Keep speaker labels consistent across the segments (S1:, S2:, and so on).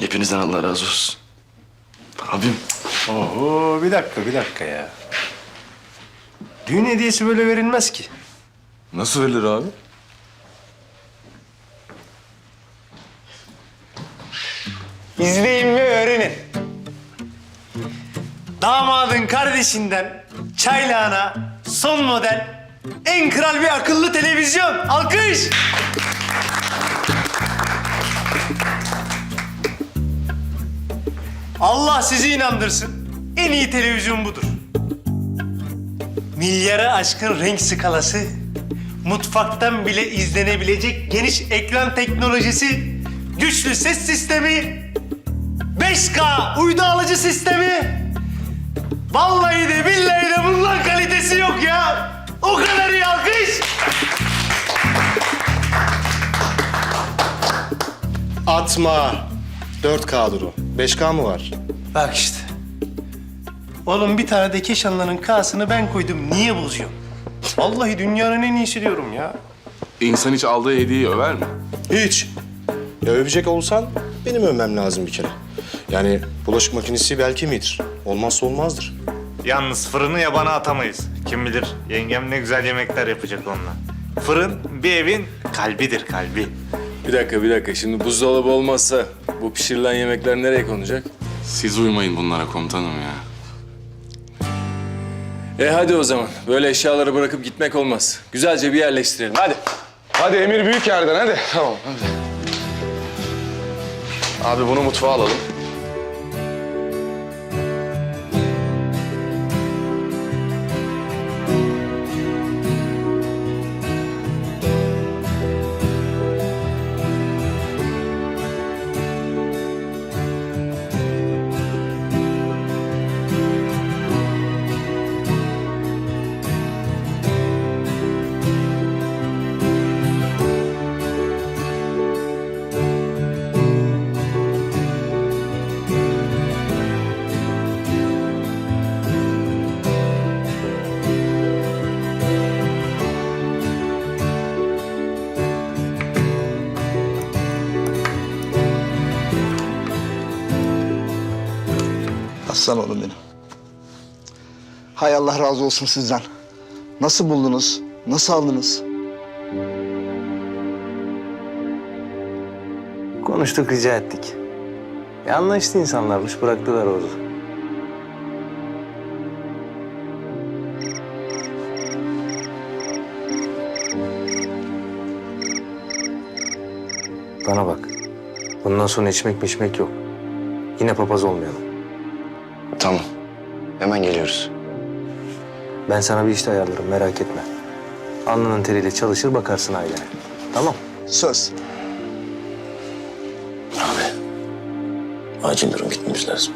S1: Hepinizden Allah razı olsun. Abim.
S2: Oho, bir dakika ya. Düğün hediyesi böyle verilmez ki.
S3: Nasıl verilir abi?
S2: İzleyin ve öğrenin. Damadın kardeşinden çaylağına son model en kral bir akıllı televizyon. Alkış! Allah sizi inandırsın. En iyi televizyon budur. Milyara aşkın renk skalası, mutfaktan bile izlenebilecek geniş ekran teknolojisi, güçlü ses sistemi, 5K uydu alıcı sistemi. Vallahi de billahi de bundan kalitesi yok ya. O kadar iyi, alkış.
S4: Atma. 4K'dır o. 5K mı var?
S2: Bak işte. Oğlum bir tane de Keşanlı'nın K'sını ben koydum. Niye bozuyorsun? Vallahi dünyanın en iyisi diyorum ya.
S3: İnsan hiç aldığı hediyeyi över mi?
S4: Hiç. Ya övecek olsan benim övmem lazım bir kere. Yani bulaşık makinesi belki midir? Olmazsa olmazdır.
S5: Yalnız fırını yabana atamayız. Kim bilir yengem ne güzel yemekler yapacak onunla. Fırın bir evin kalbidir, kalbi.
S6: Bir dakika. Şimdi buzdolabı olmazsa bu pişirilen yemekler nereye konacak?
S3: Siz uymayın bunlara komutanım ya.
S6: Hadi o zaman. Böyle eşyaları bırakıp gitmek olmaz. Güzelce bir yerleştirelim. Hadi.
S3: Hadi emir büyük yerden hadi. Tamam hadi. Abi bunu mutfağa alalım.
S7: Aslan oğlum benim. Hay Allah razı olsun sizden. Nasıl buldunuz? Nasıl aldınız?
S2: Konuştuk, rica ettik. Anlaştı insanlarmış, bıraktılar orada. Bana bak. Bundan sonra içmek yok. Yine papaz olmayalım.
S1: Tamam. Hemen geliyoruz.
S2: Ben sana bir işte ayarlarım, merak etme. Alnının teriyle çalışır, bakarsın ailene. Tamam.
S7: Söz.
S1: Abi. Acil durum gitmemiz lazım.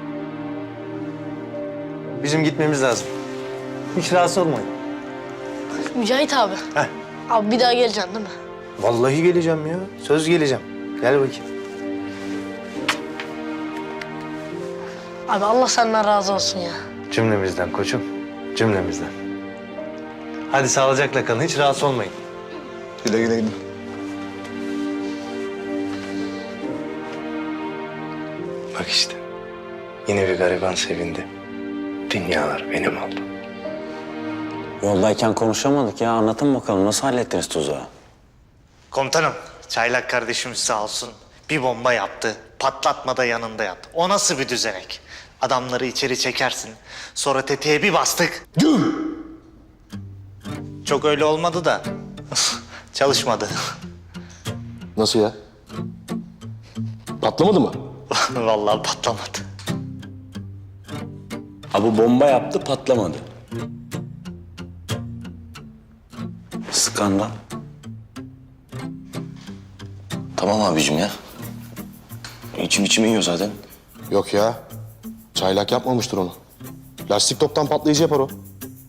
S2: Bizim gitmemiz lazım. Hiç rahatsız olmayın.
S8: Mücahit abi.
S2: Heh.
S8: Abi bir daha geleceksin değil mi?
S2: Vallahi geleceğim ya. Söz geleceğim. Gel bakayım.
S8: Abi Allah senden razı olsun ya.
S2: Cümlemizden koçum. Cümlemizden. Hadi sağlıcakla kalın. Hiç rahatsız olmayın.
S7: Güle güle gidin.
S2: Bak işte. Yine bir gariban sevindi. Dünyalar benim oldu.
S9: Yoldayken konuşamadık ya. Anlatın bakalım nasıl hallettiniz tuzağı?
S5: Komutanım, Çaylak kardeşimiz sağ olsun bir bomba yaptı. Patlatmada yanında yattı. O nasıl bir düzenek? Adamları içeri çekersin. Sonra tetiğe bir bastık. Çok öyle olmadı da. Çalışmadı.
S4: Nasıl ya? Patlamadı mı?
S5: Vallahi patlamadı.
S9: Ha bu bomba yaptı patlamadı. Skandal.
S1: Tamam abicim ya. İçim yiyor zaten.
S4: Yok ya. Çaylak yapmamıştır onu. Lastik toptan patlayıcı yapar o.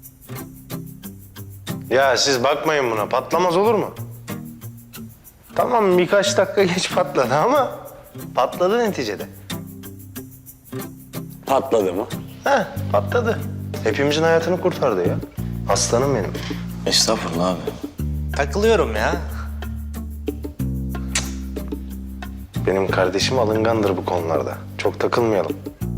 S2: Ya siz bakmayın buna. Patlamaz olur mu? Tamam birkaç dakika geç patladı ama patladı neticede.
S9: Patladı mı?
S2: Heh, patladı. Hepimizin hayatını kurtardı ya. Aslanım benim.
S1: Estağfurullah abi.
S5: Takılıyorum ya.
S4: Benim kardeşim alıngandır bu konularda. Çok takılmayalım.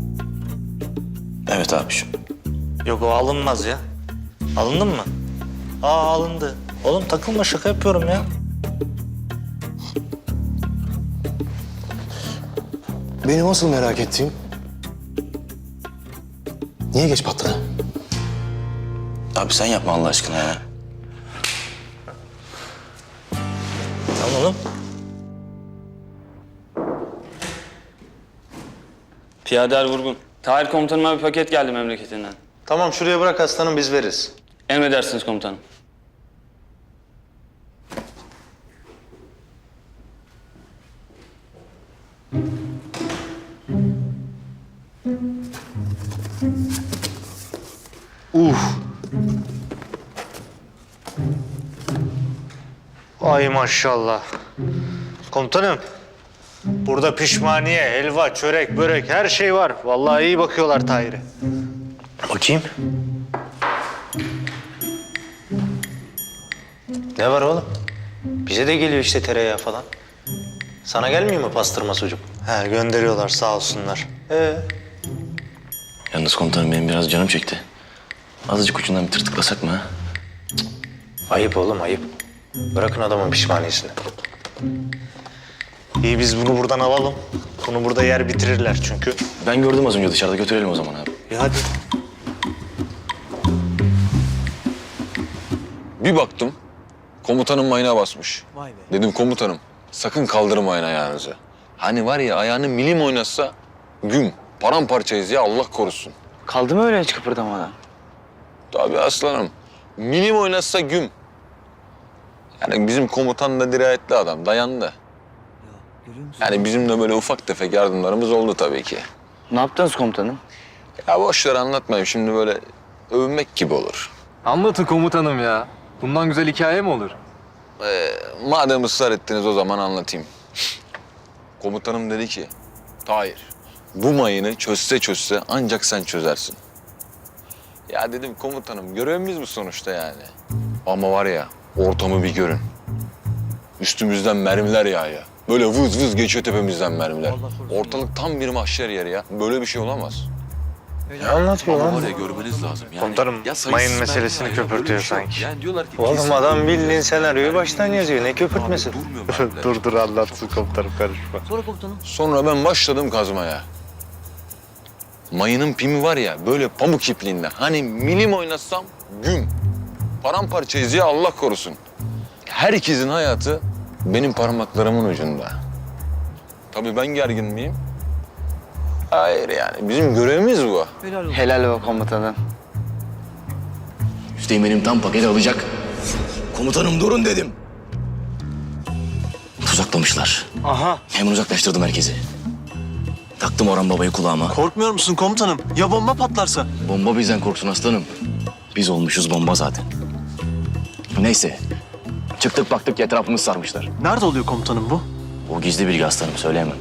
S1: Evet abiciğim.
S5: Yok o alınmaz ya. Alındın mı? Aa alındı. Oğlum takılma şaka yapıyorum ya.
S4: Benim asıl merak ettiğim... Niye geç patladı?
S1: Abi sen yapma Allah aşkına ya.
S5: Tamam oğlum.
S10: Piyader Vurgun. Tahir komutanıma bir paket geldi memleketinden.
S4: Tamam şuraya bırak aslanım biz veririz.
S10: Emredersiniz komutanım.
S5: Ay maşallah. Komutanım. Burada pişmaniye, helva, çörek, börek her şey var. Vallahi iyi bakıyorlar Tahir'e.
S4: Bakayım. Ne var oğlum? Bize de geliyor işte tereyağı falan. Sana gelmiyor mu pastırma sucuk?
S5: He gönderiyorlar sağ olsunlar.
S1: Yalnız komutanım benim biraz canım çekti. Azıcık ucundan bir tırtıklasak mı ha?
S4: Ayıp oğlum ayıp. Bırakın adamın pişmaniyesini.
S5: İyi biz bunu buradan alalım. Bunu burada yer bitirirler çünkü.
S1: Ben gördüm az önce dışarıda, götürelim o zaman abi.
S5: Hadi.
S6: Bir baktım, komutanın mayına basmış. Dedim komutanım, sakın kaldırmayın ayağınızı. Hani var ya ayağını milim oynatsa güm, paramparçayız ya Allah korusun.
S10: Kaldı mı öyle hiç kıpırdamadan?
S6: Tabii aslanım, milim oynatsa güm. Yani bizim komutan da dirayetli adam, dayandı. Yani bizim de böyle ufak tefek yardımlarımız oldu tabii ki.
S10: Ne yaptınız komutanım?
S6: Ya boş ver anlatmayayım şimdi böyle övünmek gibi olur.
S11: Anlatın komutanım ya. Bundan güzel hikaye mi olur?
S6: Madem ısrar ettiniz o zaman anlatayım. Komutanım dedi ki, Tahir bu mayını çözse ancak sen çözersin. Ya dedim komutanım görevimiz bu sonuçta yani. Ama var ya ortamı bir görün. Üstümüzden mermiler yağıyor. Böyle vız vız geçiyor tepemizden mermiler. Ortalık tam bir mahşer yeri ya. Böyle bir şey olamaz.
S4: Ne anlatıyor
S3: Ama
S4: lan?
S3: var ya görmeniz lazım yani.
S5: Komutanım,
S3: sayısız
S5: mayın
S3: mermi
S5: meselesini
S3: var ya, böyle
S5: köpürtüyor
S3: bir şey yok.
S5: sanki.
S3: Yani diyorlar ki
S4: Oğlum
S3: kesin
S4: adam
S3: mermi
S4: bildiğin
S3: var.
S4: senaryoyu
S3: Yani
S4: baştan
S3: böyle
S4: yazıyor. Ne
S3: bir şey yok.
S4: köpürtmesi?
S3: Abi durmuyor mermiler.
S5: Dur anlatsın komutanım karışma.
S6: Sonra ben başladım kazmaya. Mayının pimi var ya böyle pamuk ipliğinde. Hani milim oynatsam güm. Paramparçayız ya Allah korusun. Herkesin hayatı benim parmaklarımın ucunda. Tabii ben gergin miyim? Hayır yani bizim görevimiz bu.
S10: Helal be komutanım.
S1: Üsteğmenim tam paketi alacak. Komutanım durun dedim. Tuzaklamışlar.
S2: Aha.
S1: Hemen uzaklaştırdım herkesi. Taktım Orhan Baba'yı kulağıma.
S2: Korkmuyor musun komutanım? Ya bomba patlarsa?
S1: Bomba bizden korksun aslanım. Biz olmuşuz bomba zaten. Neyse. Çıktık baktık etrafımız sarmışlar.
S2: Nerede oluyor komutanım bu?
S1: O gizli bilgi aslanım söyleyemem.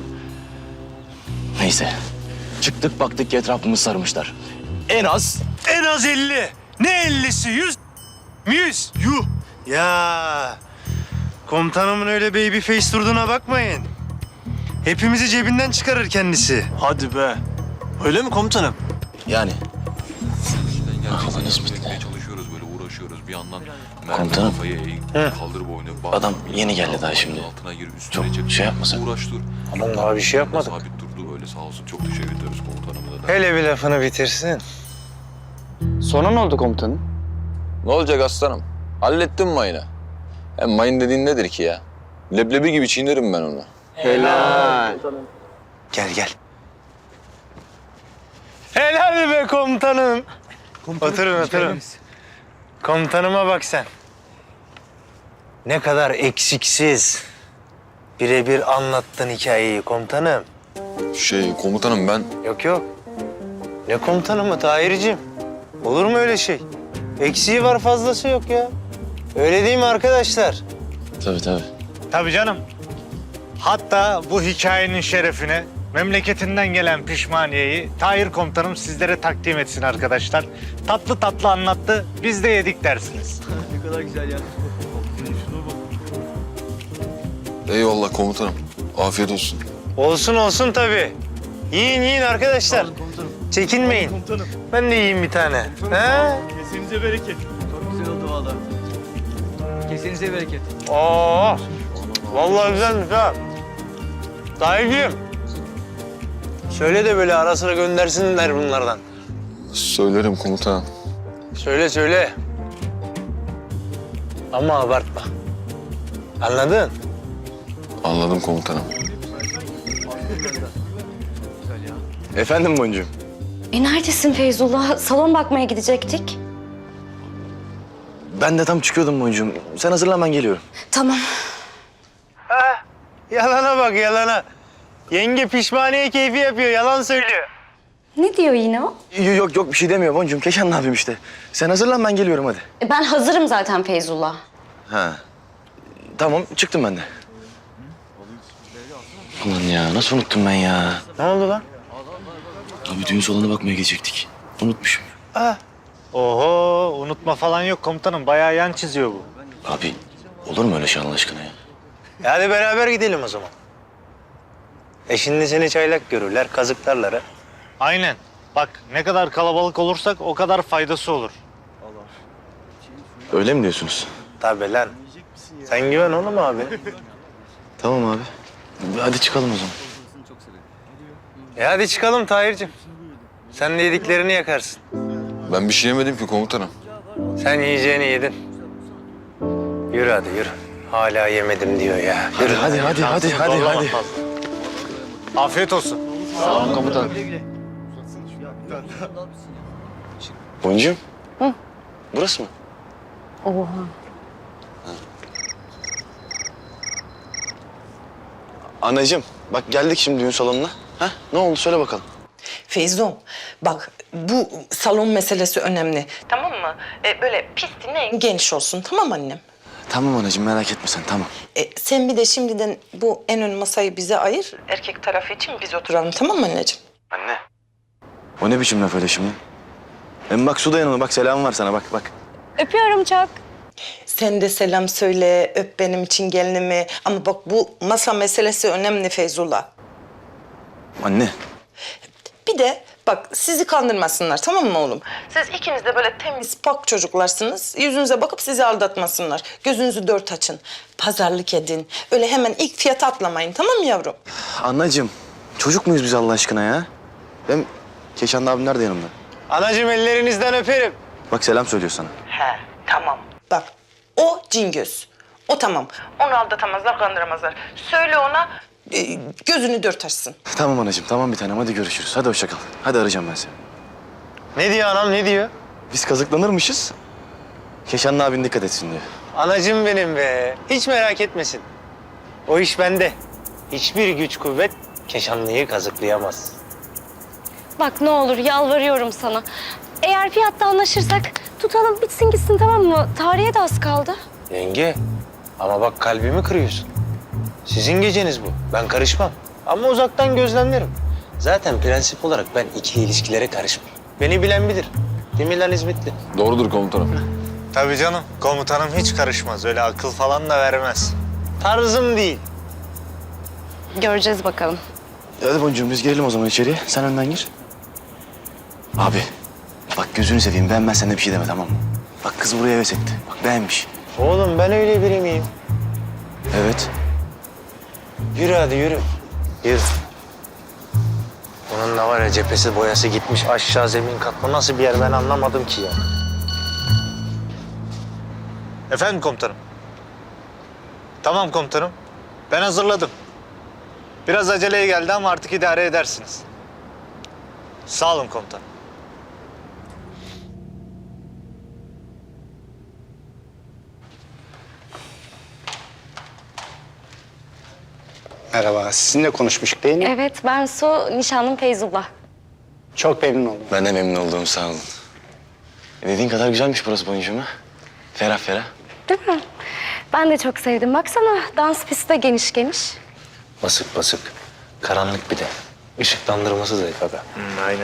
S1: Neyse. Çıktık baktık etrafımız sarmışlar. En az
S2: En az 50. Ne 50'si? 100. 100. Yuh. Ya. Komutanımın öyle baby face durduğuna bakmayın. Hepimizi cebinden çıkarır kendisi. Hadi be. Öyle mi komutanım?
S1: yani.
S3: Gerçekten
S1: Allah'ın
S3: yardım
S1: ismiyle.
S3: etmeye çalışıyoruz böyle uğraşıyoruz bir yandan.
S1: Komutanım.
S3: Kafayı eğ, kaldır boynu. bak,
S1: Adam
S3: bir
S1: yeni
S3: yandan
S1: geldi daha şimdi.
S3: Altına gir, üstüne
S1: Çok
S3: çık.
S1: şey yapmasak.
S3: Uğraş dur.
S4: Aman daha bir şey yapmadık.
S3: Sabit durdu böyle sağ olsun. Çok teşekkür ederiz komutanıma da.
S4: Hele bir lafını bitirsin.
S10: Sonra ne oldu komutanım?
S6: Ne olacak aslanım? Hallettim mayını. Hem mayın dediğin nedir ki ya? Leblebi gibi çiğnerim ben onu.
S10: Helal.
S4: Gel.
S2: Helal be komutanım. Oturun. Komutanıma bak sen.
S4: Ne kadar eksiksiz. Birebir anlattın hikayeyi komutanım.
S6: Komutanım ben
S4: Yok. Ne komutanım mı Tahir'cim? Olur mu öyle şey? Eksiği var fazlası yok ya. Öyle değil mi arkadaşlar?
S1: Tabii.
S5: Tabii canım. Hatta bu hikayenin şerefine memleketinden gelen pişmaniyeyi Tahir komutanım sizlere takdim etsin arkadaşlar. Tatlı tatlı anlattı, biz de yedik dersiniz.
S6: eyvallah komutanım. Afiyet olsun.
S4: Olsun olsun tabii. Yiyin yiyin arkadaşlar. Çekinmeyin. Ben de yiyeyim bir tane. He?
S2: Kesinize bereket.
S7: Kesinize bereket.
S4: Oo. Vallahi güzelmiş ha. Tahir'cim. Söyle de böyle ara sıra göndersinler bunlardan.
S6: Söylerim komutanım.
S4: Söyle söyle. Ama abartma. Anladın?
S6: Anladım komutanım.
S1: Efendim Boncuğum?
S12: Neredesin Feyzullah? Salon bakmaya gidecektik.
S1: Ben de tam çıkıyordum Boncuğum. Sen hazırlan, ben geliyorum.
S12: Tamam.
S4: Yalana bak yalana. Yenge pişmaniye keyfi yapıyor, yalan söylüyor.
S12: Ne diyor yine o?
S1: Yok yok bir şey demiyor Boncuğum. Keşan ne yapayım işte. Sen hazırlan, ben geliyorum hadi.
S12: Ben hazırım zaten Feyzullah.
S1: Ha. Tamam, çıktım ben de. Ulan ya, nasıl unuttum ben ya?
S4: Ne oldu lan?
S1: Abi düğün salonuna bakmaya gidecektik. Unutmuşum.
S5: Oho, unutma falan yok komutanım. Bayağı yan çiziyor bu.
S1: Abi olur mu öyle şey Allah aşkına ya?
S4: Hadi beraber gidelim o zaman. Şimdi seni çaylak görürler, kazıklarlar ha.
S5: Aynen. Bak ne kadar kalabalık olursak o kadar faydası olur.
S1: Öyle mi diyorsunuz?
S4: Tabii lan. Sen güven oğlum abi.
S1: Tamam abi. Hadi çıkalım o zaman.
S4: Hadi çıkalım Tahir'cim. Sen de yediklerini yakarsın.
S6: Ben bir şey yemedim ki komutanım.
S4: Sen yiyeceğini yedin. Yürü hadi yürü. Hala yemedim diyor ya. Yürü.
S1: Hadi.
S5: Afiyet olsun.
S1: Boncuğum. Hı? Burası mı?
S12: Oha.
S1: Anacığım bak geldik şimdi düğün salonuna. Ha? Ne oldu söyle bakalım.
S13: Feyzo, bak bu salon meselesi önemli. Tamam mı? Böyle pistin en geniş olsun. Tamam annem?
S1: Tamam anacığım merak etme sen tamam.
S13: Sen bir de şimdiden bu en ön masayı bize ayır. Erkek tarafı için biz oturalım. Tamam mı anneciğim?
S1: Anne. O ne biçim laf öyle şimdi? Hem bak su da yanıma bak selam var sana bak.
S12: Öpüyorum çok.
S13: Sen de selam söyle, öp benim için gelinimi. Ama bak bu masa meselesi önemli Feyzullah.
S1: Anne.
S13: Bir de bak sizi kandırmasınlar tamam mı oğlum? Siz ikiniz de böyle temiz pak çocuklarsınız. Yüzünüze bakıp sizi aldatmasınlar. Gözünüzü dört açın. Pazarlık edin. Öyle hemen ilk fiyata atlamayın tamam mı yavrum?
S1: Anneciğim çocuk muyuz biz Allah aşkına ya? Hem Keşan abim nerede yanımda?
S4: Anacığım ellerinizden öperim.
S1: Bak selam söylüyor sana.
S13: He tamam. Bak o cingöz. O tamam. Onu aldatamazlar, kandıramazlar. Söyle ona gözünü dört açsın.
S1: Tamam anacığım tamam bir tanem hadi görüşürüz. Hadi hoşça kal. Hadi arayacağım ben seni.
S4: Ne diyor anam ne diyor?
S1: Biz kazıklanırmışız. Keşan abin dikkat etsin diyor.
S4: Anacığım benim be. Hiç merak etmesin. O iş bende. Hiçbir güç kuvvet Keşanlı'yı kazıklayamaz.
S12: Bak ne olur yalvarıyorum sana. Eğer fiyatta anlaşırsak tutalım bitsin gitsin tamam mı? Tarihe de az kaldı.
S4: Yenge ama bak kalbimi kırıyorsun. Sizin geceniz bu. Ben karışmam. Ama uzaktan gözlemlerim. Zaten prensip olarak ben ikili ilişkilere karışmam. Beni bilen bilir. Değil mi lan hizmetli?
S6: Doğrudur komutanım.
S5: Tabii canım. Komutanım hiç karışmaz. Öyle akıl falan da vermez.
S4: Tarzım değil.
S12: Göreceğiz bakalım.
S1: Hadi boncuğum biz girelim o zaman içeriye. Sen önden gir. Abi bak gözünü seveyim beğenmezsen de bir şey deme tamam mı? Bak kız buraya heves etti. Bak beğenmiş.
S4: Oğlum ben öyle biri miyim?
S1: Evet.
S4: Yürü hadi yürü. Yürü. Onun da var ya cephesi boyası gitmiş aşağı zemin katma. Nasıl bir yer ben anlamadım ki ya.
S5: Efendim komutanım. Tamam komutanım. Ben hazırladım. Biraz aceleye geldi ama artık idare edersiniz. Sağ olun komutanım.
S7: Merhaba, sizinle konuşmuştuk değil mi?
S12: Evet ben Su, nişanlım Feyzullah.
S7: Çok memnun oldum.
S1: Ben de memnun oldum sağ olun. Dediğin kadar güzelmiş burası boncuğum ha. Ferah ferah.
S12: Değil mi? Ben de çok sevdim. Baksana dans pisti de geniş geniş.
S4: Basık basık. Karanlık bir de. Işıklandırması zayıf aga.
S5: Aynen.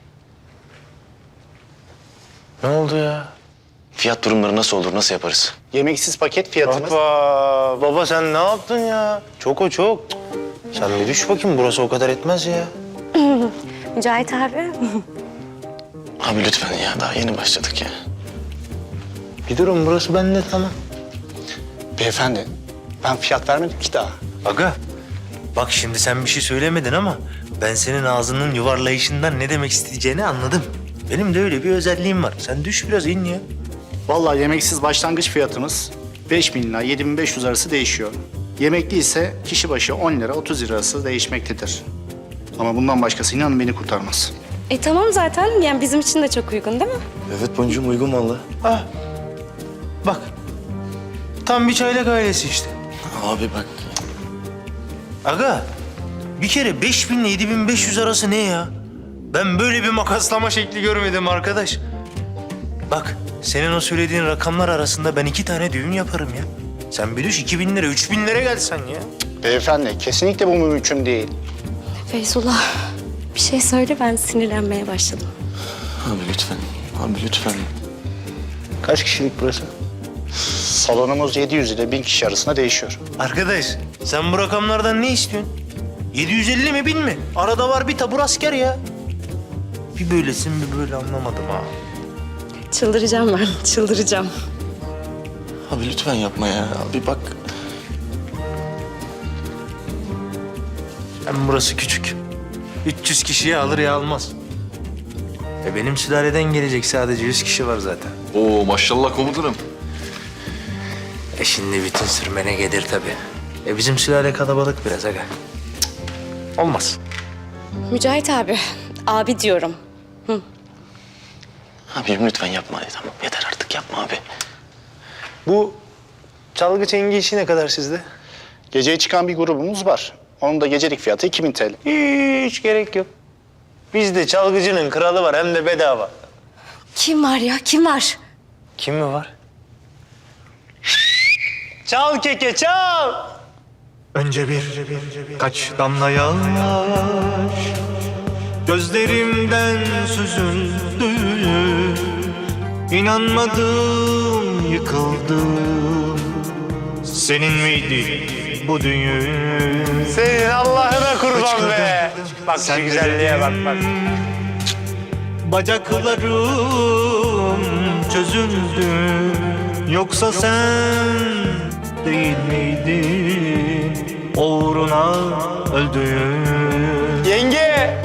S4: Ne oldu ya?
S1: Fiyat durumları nasıl olur, nasıl yaparız?
S2: Yemeksiz paket fiyatımız.
S4: Hoppa! Baba sen ne yaptın ya? Çok o çok. Sen bir düş bakayım, burası o kadar etmez ya.
S12: Mücahit abi.
S1: Abi lütfen ya, daha yeni başladık ya.
S4: Bir durun, burası bende tamam.
S2: Beyefendi, ben fiyat vermedim ki daha.
S4: Aga, bak şimdi sen bir şey söylemedin ama ben senin ağzının yuvarlayışından ne demek isteyeceğini anladım. Benim de öyle bir özelliğim var. Sen düş biraz in ya.
S2: Vallahi yemeksiz başlangıç fiyatımız 5.000 ila 7.500 arası değişiyor. Yemekli ise kişi başı 10 lira 30 lira arası değişmektedir. Ama bundan başkası inanın beni kurtarmaz.
S12: Tamam zaten yani bizim için de çok uygun değil mi?
S1: Evet boncuğum, uygun vallahi.
S4: Ah, bak. Tam bir çaylak ailesi işte.
S1: Abi bak.
S4: Aga, bir kere 5.000 ile 7.500 arası ne ya? Ben böyle bir makaslama şekli görmedim arkadaş. Bak, senin o söylediğin rakamlar arasında ben 2 tane düğün yaparım ya. Sen bir düş 2.000 lira, 3.000 lira gelsen ya.
S2: Beyefendi, kesinlikle bu mümkün değil.
S12: Feyzullah bir şey söyle, ben sinirlenmeye başladım.
S1: Abi lütfen. Abi lütfen.
S2: Kaç kişilik burası? Salonumuz 700 ile 1000 kişi arasında değişiyor.
S4: Arkadaş, sen bu rakamlardan ne istiyorsun? 750 mi 1000 mi? Arada var bir tabur asker ya. Bir böylesin bir böyle anlamadım ha.
S12: Çıldıracağım ben, çıldıracağım.
S1: Abi lütfen yapma ya. Abi bak.
S4: Hem burası küçük. 300 kişiyi alır ya almaz. Benim sülaleden gelecek sadece 100 kişi var zaten.
S3: Oo maşallah komutanım.
S4: Şimdi bütün sürmene gelir tabii. Bizim sülale kalabalık biraz aga. Cık, olmaz.
S12: Mücahit abi diyorum.
S1: Abim lütfen yapma. Tamam yeter artık, yapma abi.
S4: Bu çalgı çengi işi ne kadar sizde?
S2: Geceye çıkan bir grubumuz var. Onun da gecelik fiyatı 2000 TL.
S4: Hiç gerek yok. Bizde çalgıcının kralı var hem de bedava.
S12: Kim var ya, kim var?
S4: Kim mi var? Çal keke çal.
S5: Önce kaç damla yaş gözlerimden süzüldü. İnanmadım, yıkıldım. Senin miydi bu düğün?
S4: Senin Allah'ına kurban be. Bak şu güzelliğe bak bak.
S5: Bacaklarım çözüldü. Yoksa sen değil miydin uğruna öldüğün?
S4: Yenge.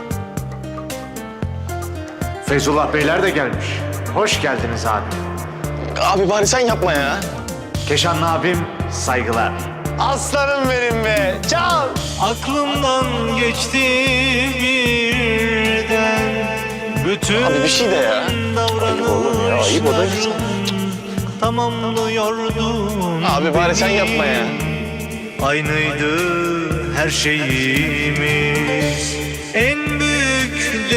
S5: Feyzullah Beyler de gelmiş. Hoş geldiniz abi.
S1: Abi bari sen yapma ya.
S5: Keşanlı abim saygılar.
S4: Aslanım benim be. Çal.
S5: Aklımdan geçti birden bütün
S1: Abi bir şey de ya.
S5: davranışlarım.
S1: Ayıp o da güzel.
S5: Tamamlıyordun.
S1: Abi bari sen yapma ya.
S5: Aynıydı her şeyimiz. En büyük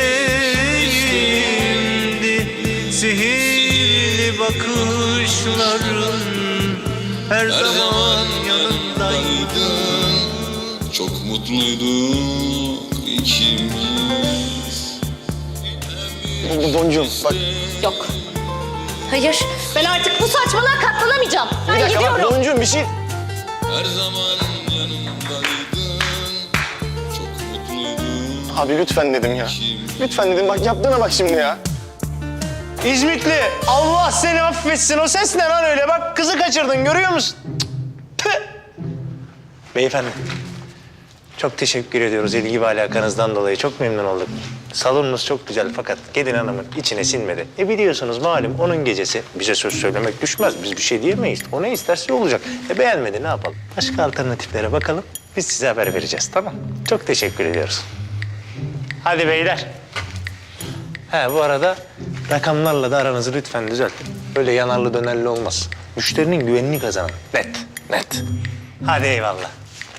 S5: desteğimdi sihirli bakışların. Her zaman yanındaydın.
S3: Çok mutluyduk ikimiz.
S1: Boncuğum bak.
S12: Yok. Hayır, ben artık bu saçmalığa katlanamayacağım. Ben
S1: Bir dakika
S12: gidiyorum.
S1: bak boncuğum, bir şey.
S3: Her zaman yanımdaydın. Çok mutluyduk.
S1: Abi lütfen dedim ya. Lütfen dedim, bak yaptığına bak şimdi ya.
S4: İzmitli. Allah seni affetsin. O ses ne lan öyle? Bak kızı kaçırdın görüyor musun? Tüh. Beyefendi. Çok teşekkür ediyoruz ilgi ve alakanızdan dolayı. Çok memnun olduk. Salonunuz çok güzel fakat gelin hanımın içine sinmedi. Biliyorsunuz malum onun gecesi. Bize söz söylemek düşmez. Biz bir şey diyemeyiz. O ne isterse olacak. Beğenmedi ne yapalım? Başka alternatiflere bakalım. Biz size haber vereceğiz tamam. Çok teşekkür ediyoruz. Hadi beyler. Bu arada rakamlarla da aranızı lütfen düzeltin. Böyle yanarlı dönerli olmaz. Müşterinin güvenini kazanın. Net, net. Hadi eyvallah.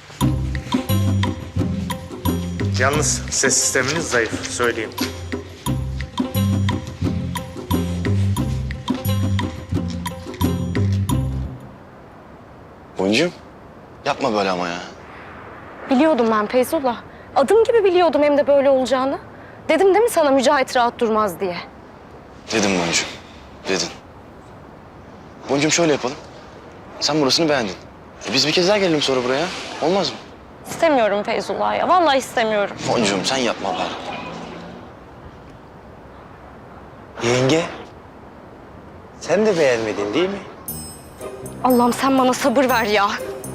S4: Yalnız ses sisteminiz zayıf, söyleyeyim.
S1: Boncuğum yapma böyle ama ya.
S12: Biliyordum ben Feyzullah. Adım gibi biliyordum hem de böyle olacağını. Dedim değil mi sana Mücahit rahat durmaz diye.
S1: Dedim boncuğum. Dedin. Boncuğum şöyle yapalım. Sen burasını beğendin. Biz bir kez daha gelelim sonra buraya. Olmaz mı?
S12: İstemiyorum Feyzullah ya. Vallahi istemiyorum.
S1: Boncuğum sen yapma bari.
S4: Yenge, sen de beğenmedin değil mi?
S12: Allah'ım sen bana sabır ver ya.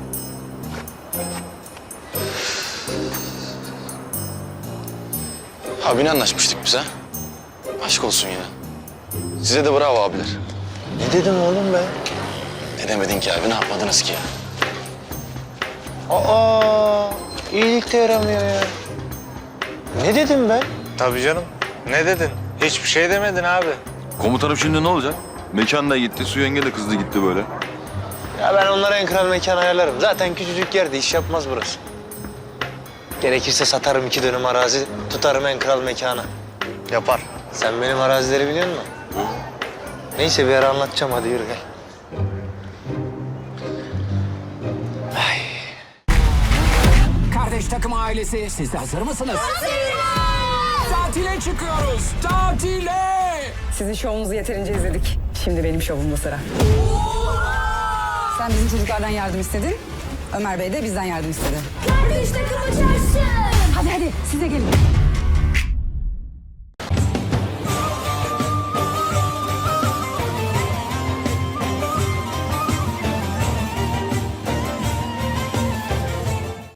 S1: Abi ne anlaşmıştık biz ha? Aşk olsun ya. Size de bravo abiler.
S4: Ne dedim oğlum ben?
S1: Ne demedin ki abi? Ne yapmadınız ki ya?
S4: Aa, iyilik de yaramıyor ya. Ne dedim ben?
S5: Tabii canım. Ne dedin? Hiçbir şey demedin abi.
S6: Komutanım şimdi ne olacak? Mekan da gitti, su yenge de kızdı gitti böyle.
S4: Ya ben onlara en kral mekan ayarlarım. Zaten küçücük yerde iş yapmaz burası. Gerekirse satarım 2 dönüm arazi, tutarım en kral mekanı.
S5: Yapar.
S4: Sen benim arazileri biliyor musun? Neyse bir ara anlatacağım, hadi yürü gel.
S14: Kardeş takım ailesi, siz de hazır mısınız? Tatile çıkıyoruz, tatile!
S8: Sizin şovunuzu yeterince izledik. Şimdi benim şovumda sıra. Sen bizim çocuklardan yardım istedin. Ömer Bey de bizden yardım istedi.
S12: Kardeş takımı çarşı.
S8: Hadi size gelin.